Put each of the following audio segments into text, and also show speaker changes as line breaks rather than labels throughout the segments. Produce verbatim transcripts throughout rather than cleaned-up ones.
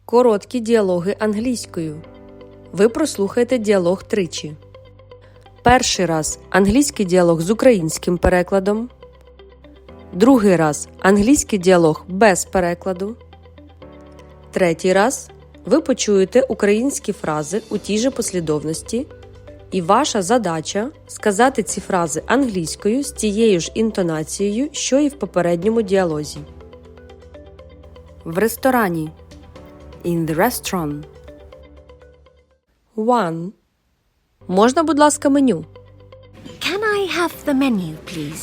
Короткі діалоги англійською. Ви прослухаєте діалог тричі. Перший раз – англійський діалог з українським перекладом. Другий раз – англійський діалог без перекладу. Третій раз – ви почуєте українські фрази у тій же послідовності. І ваша задача – сказати ці фрази англійською з тією ж інтонацією, що і в попередньому діалозі. В ресторані. In the restaurant. One. Можна, будь ласка, меню?
Can I have the menu, please?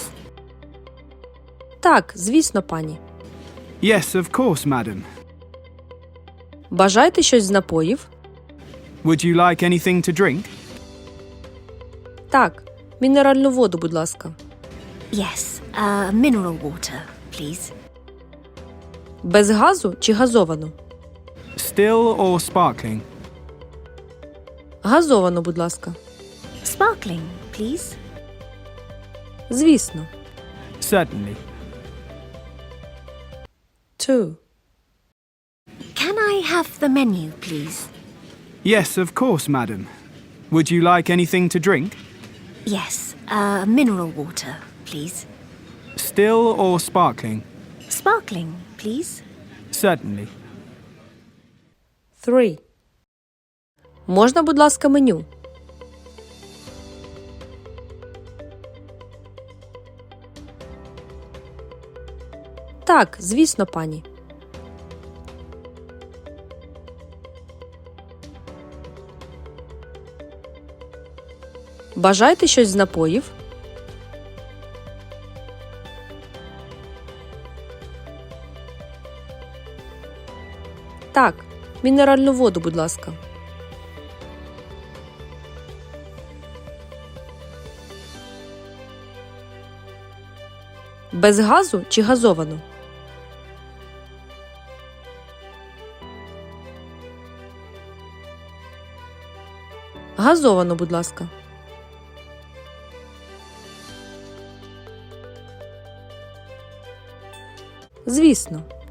Так, звісно, пані.
Yes, of course, madam.
Бажаєте щось з напоїв?
Would you like anything to drink?
Так, мінеральну воду, будь ласка.
Yes, uh, mineral water, please.
Без газу чи газовану?
Still or sparkling?
Газовану, будь ласка.
Sparkling, please.
Звісно.
Certainly.
Two.
Can I have the menu, please?
Yes, of course, madam. Would you like anything to drink?
Yes, uh, mineral water, please.
Still or sparkling?
Sparkling, please.
Certainly.
Three. Можна, будь ласка, меню? Так, звісно, пані. Бажаєте щось з напоїв? Так, мінеральну воду, будь ласка. Без газу чи газовану? Газовану, будь ласка. Звісно.